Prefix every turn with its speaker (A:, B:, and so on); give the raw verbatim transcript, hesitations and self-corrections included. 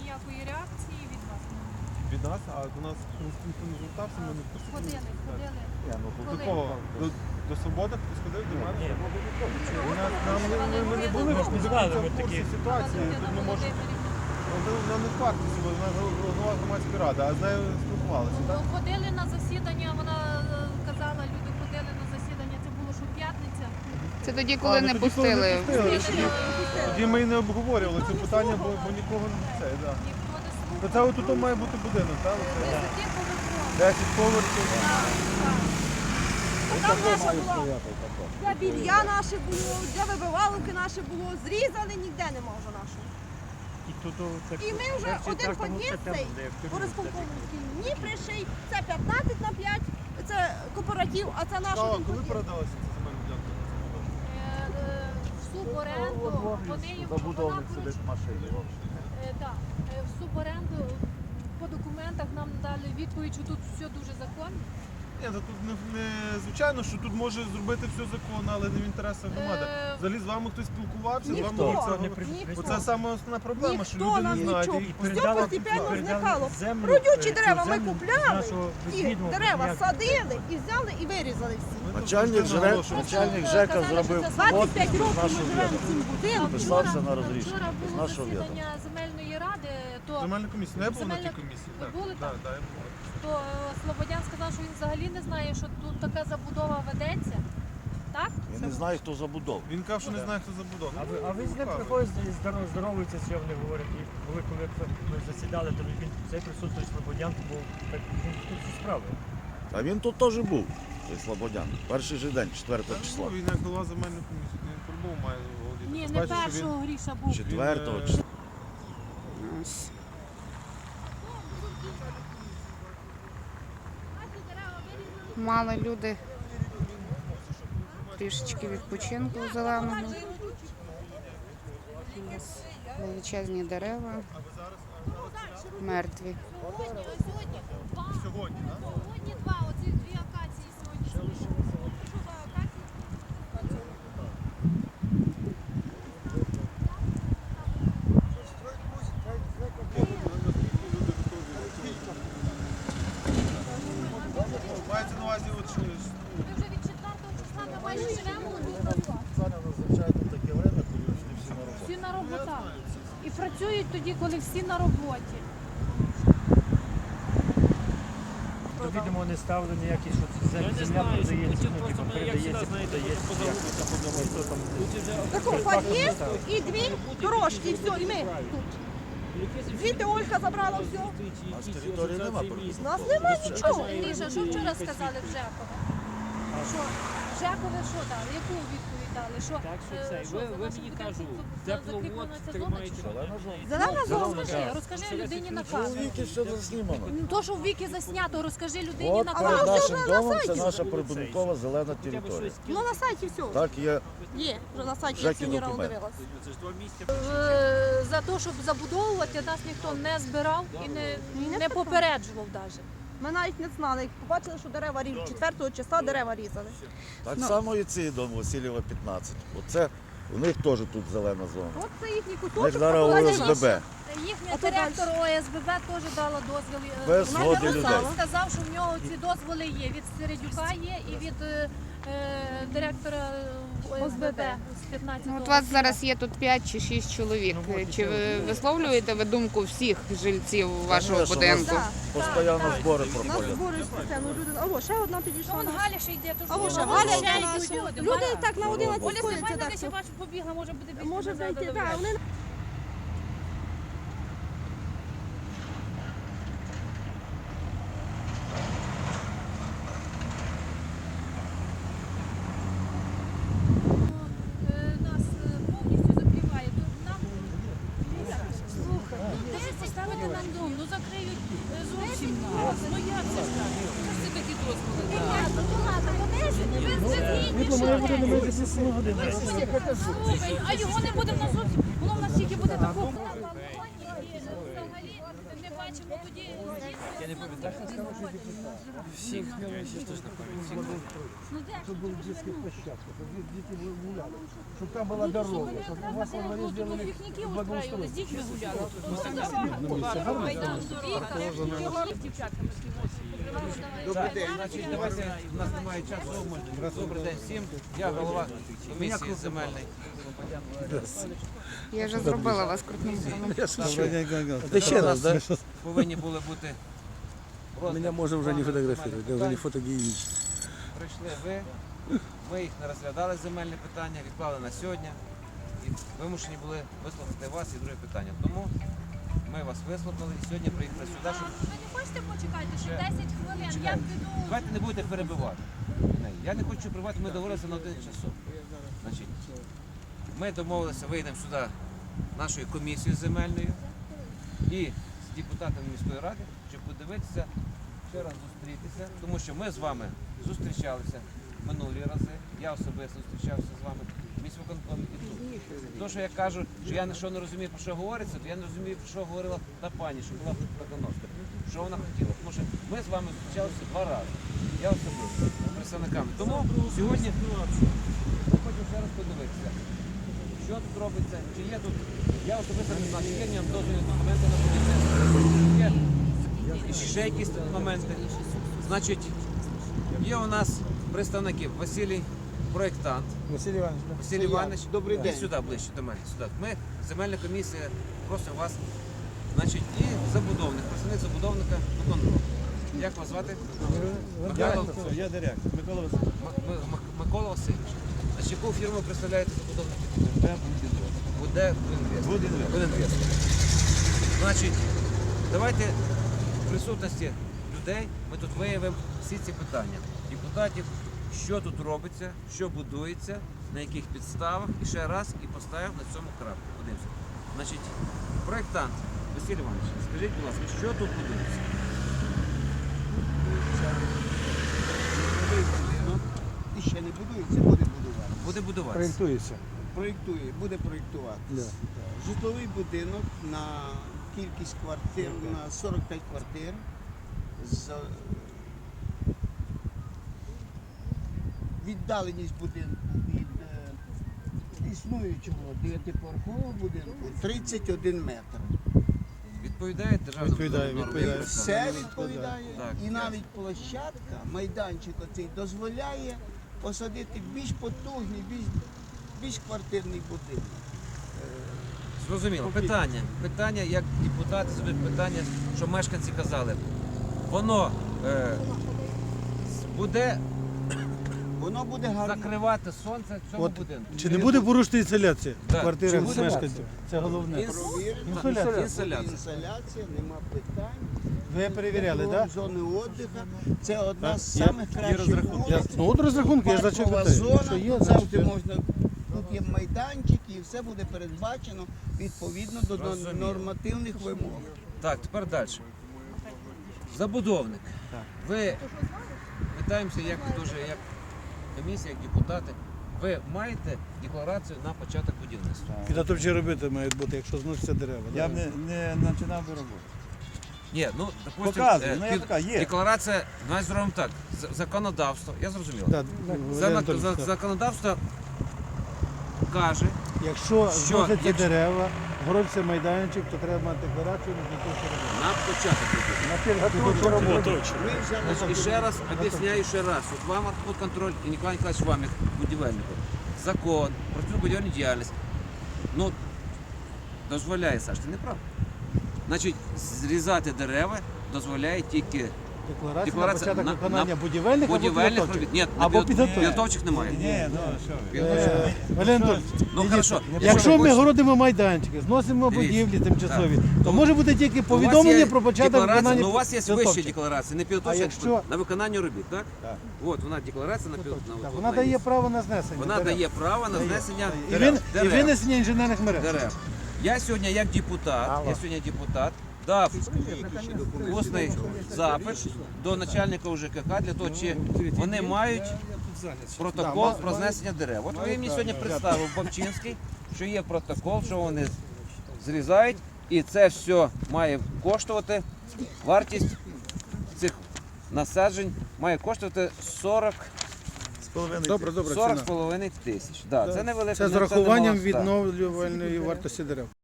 A: ніякої реакції від вас.
B: Від нас, а до нас ніхто не звертався, ми не просили.
A: Ходили, ходили.
B: Ні, ну до
A: Коли?
B: кого? До, до Свободи хтось ходив, до мене?
C: Ні,
B: У нас, нам, ми, ми, ми не були
C: Ми ж не знали,
B: в
C: ми
B: курсі
C: такі.
B: ситуації, тут ми можемо... Вона не факт, вона голова громадської ради, а з нею спілкувалися, так?
A: Ну, ходили на засідання, вона е, казала, люди ходили на засідання, це було що п'ятниця.
D: Це тоді, коли
B: А, ну,
D: не
B: тоді, коли
D: пустили.
B: не пустили.
A: Пустили.
B: Тоді ми і не обговорювали це питання, бо, бо нікого не це, да.
A: Ніхто не слухав.
B: То це отут має бути будинок, так? Оце?
A: Висоти поверхово.
B: десять поверхів.
A: Так, так.
E: Там наша була, де білья наше було, де вибивалки наше було, зрізали, ніде нема вже нашого.
C: І тут так,
E: І ми вже один під'їзд цей, Борисполковський, ні приший, це п'ятнадцять на п'ять, це кооператив, а це наш
B: А,
E: один
B: коли
E: під'їзд.
B: передалася ця земельна ділянка?
A: Е, е, В суборенду, вони їм
F: Забудовник сидить в машині.
A: Е, да. Е, В суборенду по документах нам дали відповідь, що тут все дуже законно.
B: Ні, то тут не, не звичайно, що тут може зробити все законно, але не в інтересах громади.
A: Е,
B: Взагалі з вами хтось спілкувався, з
E: Ніхто.
B: вами про це
C: не
B: говорив?
C: при-
E: Ніхто.
B: Оце саме основна проблема, що
E: Ніхто
B: люди
E: нам
B: не знають.
E: нічого.
B: І
E: Все постепенно зникало.
C: землю,
E: Родючі
C: е, цю
E: дерева ми
C: землю
E: купляли,
C: з нашого
E: ті
C: відвідного
E: дерева
C: ніяк-
E: садили і взяли і вирізали всі.
B: ми тут
F: Начальник
B: постійно
F: ЖРЕК,
B: наголошуємо.
F: начальник
A: Просто
F: ЖЕКа
A: казали,
F: зробив
A: що це
E: двадцять п'ять
F: підпис
E: років ми
F: нашого
E: живемо в
F: відома.
E: цьому будинку.
F: Підписався на розрішення
A: Вчора
F: з
A: було
F: нашого відома.
A: засідання земельної ради, то,
B: Земельна комісія. Ну, я був на тій
A: Земельна-
B: комісії.
A: Ви
B: Так,
A: були
B: да,
A: там?
B: да, я був.
A: то е, Слободян сказав, що він взагалі не знає, що тут така забудова ведеться. Так?
F: Він не знає, хто забудов.
B: Він казав, що не знає, хто забудов.
C: А ви, а ви з ним приходите і здоров- здоровуєтеся, що вони говорять. І коли, коли ми засідали, то він цей присутствує Слободян, був так, він тут зі справи.
F: А він тут теж був, цей Слободян. Перший же день, четвертого
B: Та,
F: числа.
B: ну, Він як голова земельної комісії, він по-любому має володіти.
A: Ні,
B: Тим
A: не
B: паче, що він-
A: першого Гріша був.
F: Четвертого
B: Він, е,
F: числа.
D: Мали люди трішечки відпочинку зеленого. У нас величезні дерева, мертві.
A: Сьогодні, ось сьогодні два.
B: Сьогодні, так?
A: Сьогодні два, оці дві акації сьогодні. Що за акації?
B: Мається на увазі, от що...
A: Ми вже від четвертого числа ми майже живемо тут.
F: Спеціально назначають тут таке время, коли всі на роботі.
A: Всі на роботах. І працюють тоді, коли всі на роботі.
C: То, відомо, не ставили ніякі, що це зем- земля продається, ну, типу, передається, продається. Хто там
E: Такий під'їзд і дві дорожки, і все, і ми тут. Звідти Ольга забрала все.
F: А з території нема
E: У нас нема нічого.
A: Ліша, що вчора сказали в Жекове? Що? Жекове що дали? Яку відповідь дали? Що,
G: Так, що
A: е,
G: це?
A: що,
G: Ви-
A: за
G: ви
A: нашим
G: мені
A: будинком
G: кажу,
A: за-
G: тепловод
A: закріплена ця зона
G: тримаєте.
A: чи що?
F: Зелена зона.
E: Зелена зона.
A: Розкажи, розкажи людині на
F: У
A: камеру.
F: віки все заснімано.
A: Ну, то, що в віки заснято, розкажи людині
F: От
A: на
F: перед
A: камеру.
F: нашим
E: вже на
F: домом це
E: сайті.
F: наша прибудинкова зелена територія.
E: Ну на сайті все.
F: Так є.
E: Є, вже на сайті я
F: Жеки
E: сьогодні рано
F: документ.
E: дивилась.
A: Е, За те, щоб забудовувати, нас ніхто не збирав і не, не попереджував навіть.
E: Ми навіть не знали, як побачили, що дерева ріжуть. четвертого числа дерева різали.
F: Так само і цей дом Васильєва п'ятнадцять. Оце у них теж тут зелена зона.
E: От це їхній
F: У них
E: куточок.
F: зараз
E: а
F: О С Б Б.
A: Їхній
E: А то
A: директор О С Б Б теж дала дозвіл. е,
F: Без
A: вона
F: згоди
A: написала,
F: людей.
A: сказав, що в нього ці дозволи є. Від Середюка є і від е, е, директора О С Б Б з п'ятнадцятого.
D: Ну, от вас зараз є тут п'ять чи шість чоловік. Чи ви висловлюєте ви думку всіх жильців вашого
F: Конечно,
D: будинку?
F: у нас Постійно збори
E: У нас
F: проходять.
E: збори спеціально люди. Або ще одна підійшла.
A: Вон
E: наша.
A: Галя ще йде, то
E: А ось
A: що?
E: Галя
A: Ще
E: ще
A: йдуть
E: йде.
A: люди.
E: Люди
A: Галя-
E: так на одинадцять
A: Оля
E: сходяться.
A: Степанівна
E: Так,
A: десь я
E: що
A: бачу, побігла, може буде бігти.
E: може
A: назад,
E: зайти.
A: добре.
E: Так, вони
A: Е, Нас е, повністю закриває. Тут нам слухай, ну десь поставити нам дом, ну закриють е, зовсім нас. Ну як це ж так? Що ж це такі дозволи? Понятно, ну ладно, подесять, ви згідні, що десь. Слухай, а його не буде в нас зовсім. Воно в нас тільки буде такого на балконі і взагалі не бачить. побачимо тоді. Я не пам'ятаю.
G: Всіх, я ще точно пам'ятаю.
A: Ну де ж
H: Чтобы
A: тут
H: был
A: вже
H: детских
A: ну,
H: площадках, чтобы дети гуляли, чтобы там была
A: ну,
H: дорога,
A: щоб
H: чтобы у
A: треба
H: вас во дворе
A: дорогу, тому
H: сделали
A: пікніки устроїли, з дітьми гуляли. Дівчатками
I: Добрий день. Значить, давайте, у нас немає часу. Добрий день всім. Я голова комісії земельної.
D: Я вже зробила вас крупним планом.
I: Це ще раз, да? Повинні були бути
H: Меня можно уже не фотографировать, я уже не фотогеничный.
I: Прийшли ви, ми їх не розглядали земельне питання, відклали на сьогодні. І вимушені були вислухати вас і друге питання. Тому ми вас вислухали і сьогодні приїхали сюди, щоб...
A: Ви не хочете почекати, ще десять хвилин? Я
I: Чекайте.
A: піду.
I: Давайте не будете перебивати. мене. Я не хочу перебивати, ми договорилися на один часов. Значить, ми домовилися, вийдемо сюди нашою комісією земельною і з депутатами міської ради, щоб подивитися, ще раз зустрітися, тому що ми з вами зустрічалися минулі рази, я особисто зустрічався з вами в міськвиконкомі і тут. То, що я кажу, що я що не розумію, про що говориться, то я не розумію, про що говорила та пані, що була Пеконовська, що вона хотіла. Тому що ми з вами зустрічалися два рази, я особисто, з представниками. Тому сьогодні ми хочемо ще раз подивитися, що тут робиться, чи є тут, я особисто не знаю, чи є нам дозвільні документи на будівництво, чи є і ще якісь тут моменти. Значить, є у нас представники Василій, проєктант.
H: Василий Иванович, да?
I: Василь Іванович,
B: Добрий
I: іди
B: день.
I: сюди, ближче до мене. Сюди. Ми, земельна комісія, просимо вас. Значить, і забудовник, представник забудовника виконкому. Як вас звати? Михайло,
B: Я директор. Микола Васильович.
I: М- М- М- Микола Васильович. Значить, яку фірму представляєте забудовники? Буде Будінвест. Будінвест. Значить, давайте в присутності людей ми тут виявимо всі ці питання. Депутатів, що тут робиться, що будується, на яких підставах, і ще раз і поставимо на цьому крапку. Подивимося. Значить, проєктант Василь Іванович, скажіть, будь ласка, що тут будується?
J: І ще не будується, буде будувати.
I: Буде будуватися.
H: Проектуется.
J: Проєктує, буде проєктувати.
H: Да.
J: Житловий будинок на кількість квартир, на сорок п'ять квартир. З віддаленість будинку від е, існуючого дев'ятиповерхового будинку тридцять один метр.
I: Відповідає державна
B: Відповідає,
I: норма?
B: відповідає.
J: Все відповідає.
I: Так,
J: І
I: ясно.
J: навіть площадка, майданчик оцей дозволяє посадити більш потужний, більш, більш квартирний будинок.
I: Зрозуміло. Питання. Питання, як депутати задають питання, що мешканці казали. Воно е, буде
J: Воно буде гарно.
I: закривати сонце в цьому
H: От,
I: будинку.
H: Чи не буде порушена інсоляція
I: Так.
H: в квартирах
I: Чи
H: з
I: буде?
H: мешканців? Це головне.
I: Інс-
J: Провірено.
H: Інсоляція.
I: Інсоляція.
J: Інсоляція, нема питань.
H: Ви перевіряли, так? Да?
J: Зони відпочинку. Це одна з
B: Є-
J: самих
B: є
J: кращих
B: розрахунки.
H: Я,
J: вулиць.
H: ну от розрахунки, я ж за що
J: Паркова
H: питаю.
J: зона,
H: Що є,
J: тут
H: значить,
J: завжди можна, тут є майданчик і все буде передбачено відповідно до
I: Зрозуміло.
J: нормативних вимог.
I: Так, тепер далі. Забудовник. Ви питаємося, як дуже, як комісія, як депутати. Ви маєте декларацію на початок будівництва?
H: підготовчі робити мають бути, якщо зносяться дерева.
B: Я
H: да?
B: б не, не починав би роботу.
I: Ні, ну допустим,
B: Показує,
I: е,
B: ну, я
I: під-
B: така, є.
I: декларація, давай зробимо так. з- Законодавство, я зрозумів.
H: Да,
I: За,
H: Валерій Анатолійович,
I: за-
H: так.
I: законодавство каже,
H: Якщо
I: Що,
H: зносяться
I: якщо-
H: дерева, городиться майданчик, то треба мати декларацію на підготовчі роботи.
I: на початок будівництва.
H: На підготовчі роботи.
J: Ми взяли
I: Значить, і ще раз об'ясняю ще раз. От вам контроль і Ніколай Ніколаївич вам, як будівельнику. Закон про цю будівельну діяльність. Ну, дозволяє, Саш, ти не прав. Значить, зрізати дерева дозволяє тільки
H: Декларація,
I: Декларація
H: на початок
I: на-
H: виконання
I: на
H: будівельних або
I: будівельних
H: підготовчих.
I: робіт. Ні,
H: Або
I: на підготовчих
H: підготовчих.
I: підготовчих немає.
B: Ні, ну що ви.
I: Підготовчих.
H: Е, Валерій Анатолійович,
I: Ну, хорошо.
H: якщо
I: ви
H: ми
I: хочете-
H: городимо майданчики, зносимо
I: Дивіться.
H: будівлі тимчасові,
I: Так.
H: то
I: Ну,
H: може бути тільки
I: У вас
H: повідомлення
I: є
H: про початок
I: декларація,
H: виконання
I: ну, у вас є вища
H: підготовчих.
I: декларація, не підготовча,
H: А якщо-
I: на виконання робіт, так?
B: Так.
I: От вона декларація на
H: Так,
I: підготовча.
H: вона дає право на знесення.
I: Вона
H: дерев.
I: дає право на
H: Дає.
I: знесення
H: І,
I: дерев.
H: він, і
I: Дерев.
H: винесення інженерних мереж.
I: Дерев. Я сьогодні як депутат, я сьогодні депутат дав усний запит до начальника УЖКХ для того, чи вони мають протокол про знесення дерев. От ви мені сьогодні представив Бабчинський, що є протокол, що вони зрізають, і це все має коштувати Вартість цих насаджень має коштувати сорок
H: Добре, добре,
I: сорок
H: ціна.
I: з половиною тисяч. Да, це невелика,
H: Це з
I: не-
H: рахуванням
I: немало, так.
H: відновлювальної вартості дерев.